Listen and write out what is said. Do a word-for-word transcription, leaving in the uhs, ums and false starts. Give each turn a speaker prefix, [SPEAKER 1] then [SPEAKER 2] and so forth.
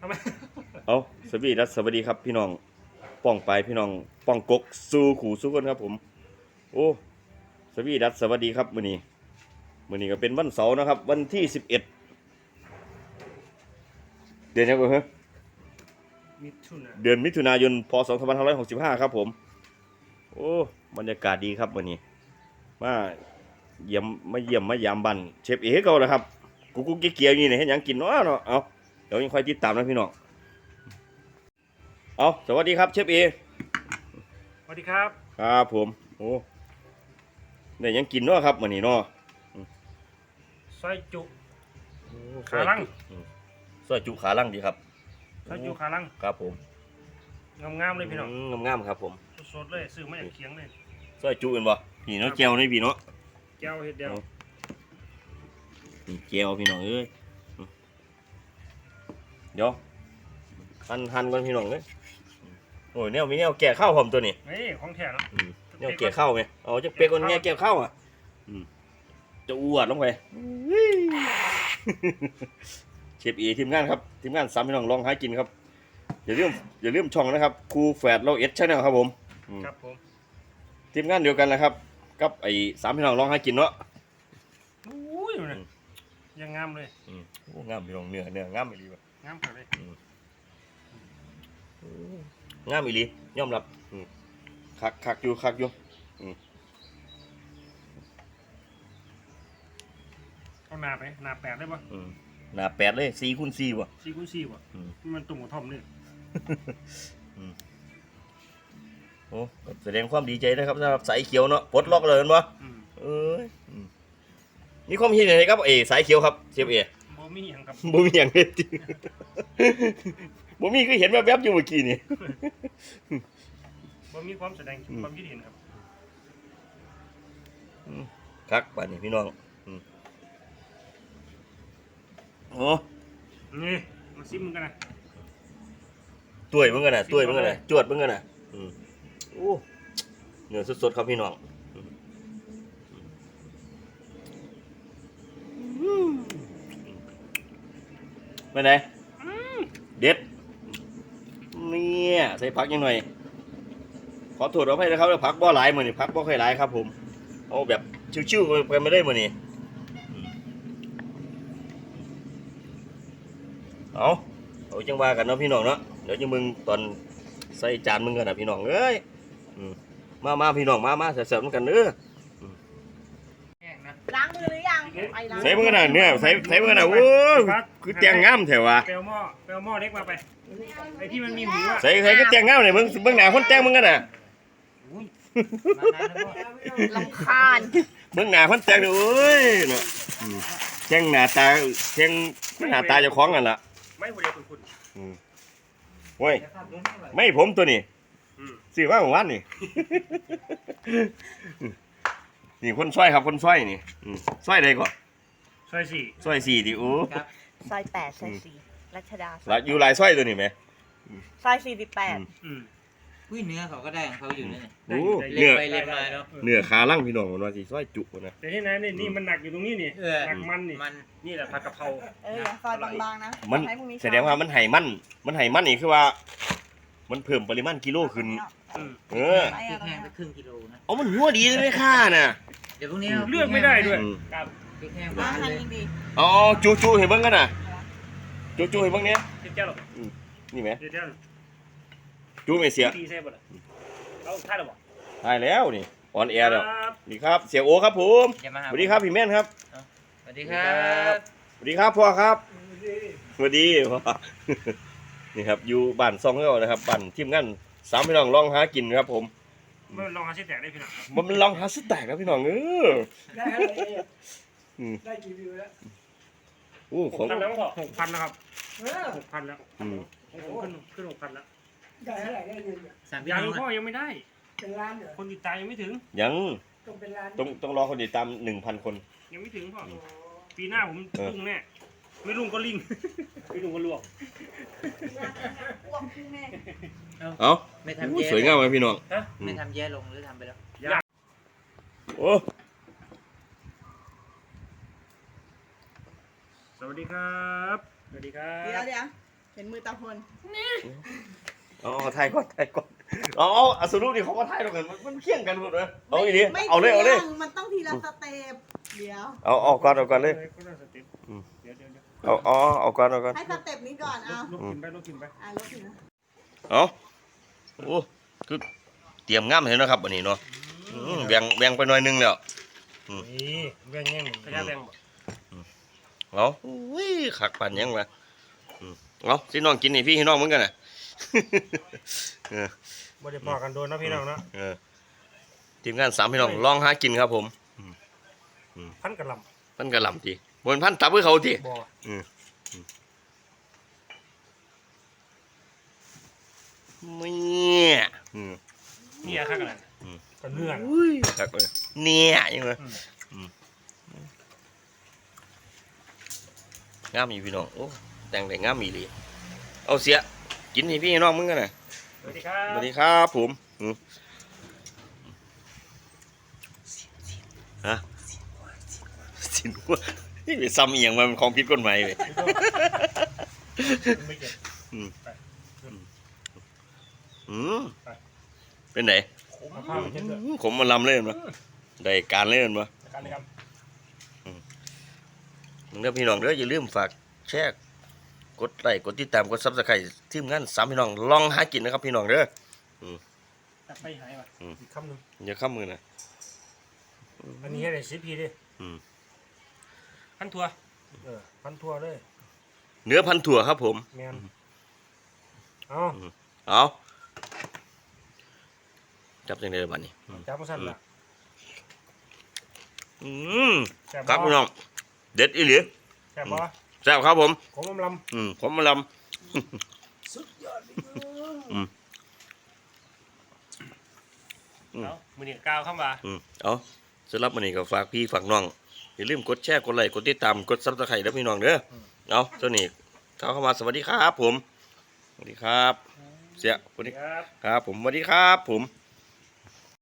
[SPEAKER 1] ทำไม
[SPEAKER 2] เอาสวัสดีรัสวัสดีครับพี่น้องป้องไปพี่น้องป้องกกสู้ขู่สู้คนครับผมโอ้สวัสดีรัสสวัสดีครับมื้อนี้มื้อนี้ก็เป็นวันเสาร์นะครับวันที่สิบเอ็ดเดือนยังไงฮะ
[SPEAKER 1] มิถุนา
[SPEAKER 2] เดือนมิถุนายนพศสองพันห้าร้อยหกสิบห้าครับผมโอ้บรรยากาศดีครับมื้อนี้มาเยี่ยมมาเยี่ยมมายามบ้านเชฟเอ๋เก่าแล้วครับกุ๊กกุ๊กเกียวๆนี่เนี่ยเฮ็ดหยังกินเนาะเนาะเอาเดี๋ยวยังค่อยติดตามนะพี่น้องเอาสวัสดีครับเชฟเอ
[SPEAKER 1] สวัสดีครับ
[SPEAKER 2] ครับผมโอ้เนี่ยยังกินเนาะครับมื้อนี้เนาะ
[SPEAKER 1] ซอยจุขาลัง
[SPEAKER 2] ซอยจุขาลังดีครับ
[SPEAKER 1] ซอยจุขาลัง
[SPEAKER 2] ครับผม
[SPEAKER 1] งามๆเลยพี่น้อง
[SPEAKER 2] งามๆครับผม
[SPEAKER 1] สดๆเลยซื้อมาจากเคียงเลย
[SPEAKER 2] ซอยจุเป็นบ่พี่เนาะแก้วนี่พี่เนาะ
[SPEAKER 1] แก้วเฮ็ดเดียว
[SPEAKER 2] นี่แก้วพี่น้องเอ้ยเดี๋ยวหั่นหั่นก่อนพี่น้องเอ้ยโอ้ยแนวมีแนวแก่ข้าวผมตัวนี้
[SPEAKER 1] นี่ของแท้เนาะ
[SPEAKER 2] แนวแก่ข้าวไหมเอาจะเป๊กคนแนวแก่ข้าวอ่ะจะอวดลงไปเชฟเอทีมงานครับทีมงานสามพี่น้องลองหากินครับอย่าลืมอย่าลืมช่องนะครับครูแฝดเราเอสชาแนลครับผม
[SPEAKER 1] ครับผม
[SPEAKER 2] ทีมงานเดียวกันนะครับกับไอ้สามพี่น้องลองหากินเนาะ
[SPEAKER 1] อุ้ยยังงามเลย
[SPEAKER 2] โอ้งามพี่น้องเนื้อเนื้องามอีหลีว่ะ
[SPEAKER 1] งามเลย
[SPEAKER 2] งามอีหลียอมรับคักคักอยู่คักอยู่
[SPEAKER 1] เอาหนาไปหนาแปดได้ปะ
[SPEAKER 2] หนาแปดเลยสี่คูณสี่ว่ะ
[SPEAKER 1] สี่คูณสี่ว่ะมันตุ่มหัวทอมนี่
[SPEAKER 2] โอ้แสดงความดีใจนะครับสำหรับสายเขียวเนาะปลดล็อกเลยมั้ยเอ้ยมีความคิดยังไงครับเอสายเขียวครับเชฟเอ
[SPEAKER 1] บ่มีอย่างครับ
[SPEAKER 2] บ่มีอย่างเด็ดจริงบ่มีก็เห็นแวบๆอยู่เมื่อกี้นี่
[SPEAKER 1] บ่มีความแสดงความคิดเห็นครับ
[SPEAKER 2] ครับป่านนี้พี่น้องโอ้
[SPEAKER 1] นี่มาซิมมึงกันนะ
[SPEAKER 2] ตุ้ยมึงกันนะตุ้ยมึงกันนะจวดมึงกันนะโอ้เนื้อสดๆครับพี่น้องไปไหนเด็ดเนี่ยใส่ผักยังหน่อยขอโทษเอาให้นะครับผักบ่หลายมือนี่ผักบ่ค่อยหลายครับผมเอาแบบชิวๆไปไม่ได้มือนี่เอาเอาจังว่ากันเนาะพี่น้องเนาะเดี๋ยวจะมึงตอนใส่จานมึงกันนะพี่น้องเอ้ยมามาพี่น้องมามาเสิร์ฟกันเด้อ
[SPEAKER 3] ล้างมือหรือยัง
[SPEAKER 2] ใส่มึงกันนะเนี่ยใส่ใส่มึงกันนะโอ้คือแตงงามแถววะ
[SPEAKER 1] เปลวหม้อเปลวหม้อเล็กมาไปไอ้ที่มันมีหูอะ
[SPEAKER 2] ใส่ใส่ก็แตงงามเลยมึงมึงหนาคนแตงมึงกันนะ
[SPEAKER 3] ลำคาญ
[SPEAKER 2] มึงหนาคนแตงเลยโอ้ยเนาะแตงหน้าตาแตงหน้าตาเจ้าของกันล่ะ
[SPEAKER 1] ไม่หัวเดียวคุณคุณ
[SPEAKER 2] โอ้ยไม่ผมตัวนี้ซื้อมาเมื่อวานนี่นี่คนซอยครับคนซอยนี่ซอยใดก่อน
[SPEAKER 1] ซอยสี่
[SPEAKER 2] ซอยสี่ดิโอ้
[SPEAKER 3] ซอยแปดซอยสี่รัชดา
[SPEAKER 2] หลายอยู่หลายซอยตัวนี้ไหม
[SPEAKER 3] ซอยสี่สิบแปด
[SPEAKER 4] อุ้ยเนื้อเขาก็ได้ของเขาอยู่นี่
[SPEAKER 2] เนื้
[SPEAKER 4] อไปเล็บมาเนาะ
[SPEAKER 2] เนื้อขาล่างพี่น้องมันว่าสิซอยจุนะ
[SPEAKER 1] แต่ที่ไหนนี่นี่มันหนักอยู่ตรงนี้นี่หนักมันนี่
[SPEAKER 4] มัน
[SPEAKER 1] นี่แหละผัดกะเพรา
[SPEAKER 3] เออซอยบางๆนะ
[SPEAKER 2] มันแสดงว่ามันไห่มันมันไห่มันนี่คือว่ามันเพิ่มปริมาณกิโลขึ้นเออ
[SPEAKER 4] พริกแห้งไปครึ่งกิโลนะ
[SPEAKER 2] เอามันหัวดีเลยไหมค่าน่ะ
[SPEAKER 4] เดี๋ยวพวกนี้
[SPEAKER 1] เลือกไม่ได้ด้วยครับ
[SPEAKER 4] พริกแห้ง
[SPEAKER 3] มาทานดี
[SPEAKER 2] อ๋อจูจูเห็นบ้างกันน่ะจูจูเห็นบ้างเนี้ย
[SPEAKER 1] เจ้าหรอ
[SPEAKER 2] นี่ไหม
[SPEAKER 1] เจ้า
[SPEAKER 2] จูไม่เสีย
[SPEAKER 1] ดีใช่ป่ะเอาท่าหรอ
[SPEAKER 2] ถ่ายแล้วนี่ออนแอร์แล้วนี่ครับเสียโอครับผมสวัสดีครับพี่แม่นครับ
[SPEAKER 4] สวัสดีครับ
[SPEAKER 2] สวัสดีครับพ่อครับสวัสดีพ่อนี่ครับอยู่บ้านซองเก้านะครับบ้านทีมงานสามพี่น้องลองหากินครับผม
[SPEAKER 1] มันลองหาสแต็กได้พี่น้อง
[SPEAKER 2] มันลองหาสแต็กครับพี่น้องเออ
[SPEAKER 1] ได้ได้กี่วิวแล้ว
[SPEAKER 2] โอ้ของ
[SPEAKER 1] หกพันแล้วครับหกพันแล้วขึ้นขึ้นหกพันแล้ว
[SPEAKER 5] ได้เท่าไหร่ได้เงิน
[SPEAKER 1] ยังพ่อยังไม่ได้
[SPEAKER 5] เป็นล้านเหรอ
[SPEAKER 1] คนติดตามยังไม่ถึง
[SPEAKER 2] ยัง
[SPEAKER 5] ต้องเป็นล้าน
[SPEAKER 2] ต้องต้องรอคนติดตามหนึ่งพันคน
[SPEAKER 1] ยังไม่ถึงพ่อปีหน้าผมลุ่งแน่ไม่ลุ่งก็ลิงไม่ลุ่งก็ลวก
[SPEAKER 2] เอา
[SPEAKER 4] ไม่ทำแย่
[SPEAKER 2] สวยงามเลยพี่น้อง
[SPEAKER 4] ไม่ทำแย่ลงหรือทำไปแล้ว
[SPEAKER 2] โอ้
[SPEAKER 1] สวัสดีครับสวัสดีครับ
[SPEAKER 3] เดี๋ยวเดี๋ยวเห็นมือตาพล
[SPEAKER 2] อ๋อถ่ายก่อนถ่ายก่อนอ๋อเอาสรุปดิเขาก็ถ่ายตรงกันมันมันเคี่ยงกันหมดเลยเอาอีนี้
[SPEAKER 3] ไม่
[SPEAKER 2] เอาเลยเอาเลย
[SPEAKER 3] ที่งมันต้องทีละสเต็ปเดี๋ยว
[SPEAKER 2] เอาเอาก่อนเอาก่อนเลย
[SPEAKER 1] ก็ได้สเต็ปเดี๋ยวเดี๋ยวเดี๋ยว
[SPEAKER 2] เอาเอาเอาก่อนเอาก่อน
[SPEAKER 3] ให้สเต็ปนี้ก่อนเอา
[SPEAKER 1] ลูกกินไปลูกกินไป
[SPEAKER 3] อ่ะลบถึงนะ
[SPEAKER 2] เอาโอ้คือเตรียมงามเห็นนะครับวันนี้เนาะอืมแบ่งแบ่งไปหน่อยนึงแล้ว
[SPEAKER 1] นี่แบ่งแง่งขยะแบ่งบ่
[SPEAKER 2] เอาอุ้ยขักปั่นยังวะอืมเอาสิน้องกินนี่พี่ให้น้องเหมือนกันน่ะ เออ
[SPEAKER 1] บ่ได้พอกันโดนนะพี่น้องเนาะ
[SPEAKER 2] เออทีมงานสามพี่น้องลองหากินครับผม
[SPEAKER 1] พันกระหล
[SPEAKER 2] พันกระหล่ำทีบนพันตับเพื่อเขาที
[SPEAKER 1] ำบ่
[SPEAKER 2] อืมเนี่ยอืม
[SPEAKER 1] นี่อะครับกันก็เนื้อ
[SPEAKER 2] ขักเลยเนี่ยยังไงงามอยู่พี่น้องโอ้แต่งแต่งามมีเลยเอาเสียกินให้พี่ให้น้องมึงกันน่ะ
[SPEAKER 1] สวัสดีครับ
[SPEAKER 2] สวัสดีครับผมอืมฮะสินหัวนี่ไปซ้ำเอียงมันของผิดกฎหมายเลย
[SPEAKER 1] ไม่เก็บ
[SPEAKER 2] อืม
[SPEAKER 1] ไป
[SPEAKER 2] อืมเป็นไหน
[SPEAKER 1] เอาผ้าไปเช็ดด้วย
[SPEAKER 2] ผมมาลำเล่นปะได้การเล่นปะ
[SPEAKER 1] การเลยครับ
[SPEAKER 2] มึงเด้อพี่น้องเด้ออย่าลืมฝากแชร์กดไลค์กดติดตามกดซับสไครต์ทีมงานสามพี่น้องลองหากินนะครับพี่น้องเด้อ
[SPEAKER 1] ตัดไปหายว่ะอีกคำหนึ่ง
[SPEAKER 2] อย่าข้ามมือนะ
[SPEAKER 1] อันนี้ให้ได้สิบพีดิ
[SPEAKER 2] อืม
[SPEAKER 1] พันทัวเออพันทัวเลย
[SPEAKER 2] เนื้อพันถั่วครับผม
[SPEAKER 1] แมนเอา
[SPEAKER 2] เอาจับยังไงบ้านี้
[SPEAKER 1] จับมาสั่นละ
[SPEAKER 2] อืม
[SPEAKER 1] แซ่บ
[SPEAKER 2] ครับ
[SPEAKER 1] บ่
[SPEAKER 2] พี่น้องเด็ดอีหลี
[SPEAKER 1] แซ่บบ่
[SPEAKER 2] แซ่บครับผม
[SPEAKER 1] ของลำล
[SPEAKER 2] อืมผมมาล
[SPEAKER 5] สุดยอดเลย
[SPEAKER 2] ำอืม
[SPEAKER 1] ำเอามือนี่ก้าวเข้ามา
[SPEAKER 2] อืมเอาสำหรับวันนี้ก็ฝากพี่ฝากน้องอย่าลืมกดแชร์กดไลค์กดติดตามกดซับสไครต์แล้วพี่น้องเด้อเอาเจ้านี่เข้าเข้ามาสวัสดีครับผมสวัสดีครับ เสียสวัสดี
[SPEAKER 1] ครับ
[SPEAKER 2] ครับผมสวัสดีครับผม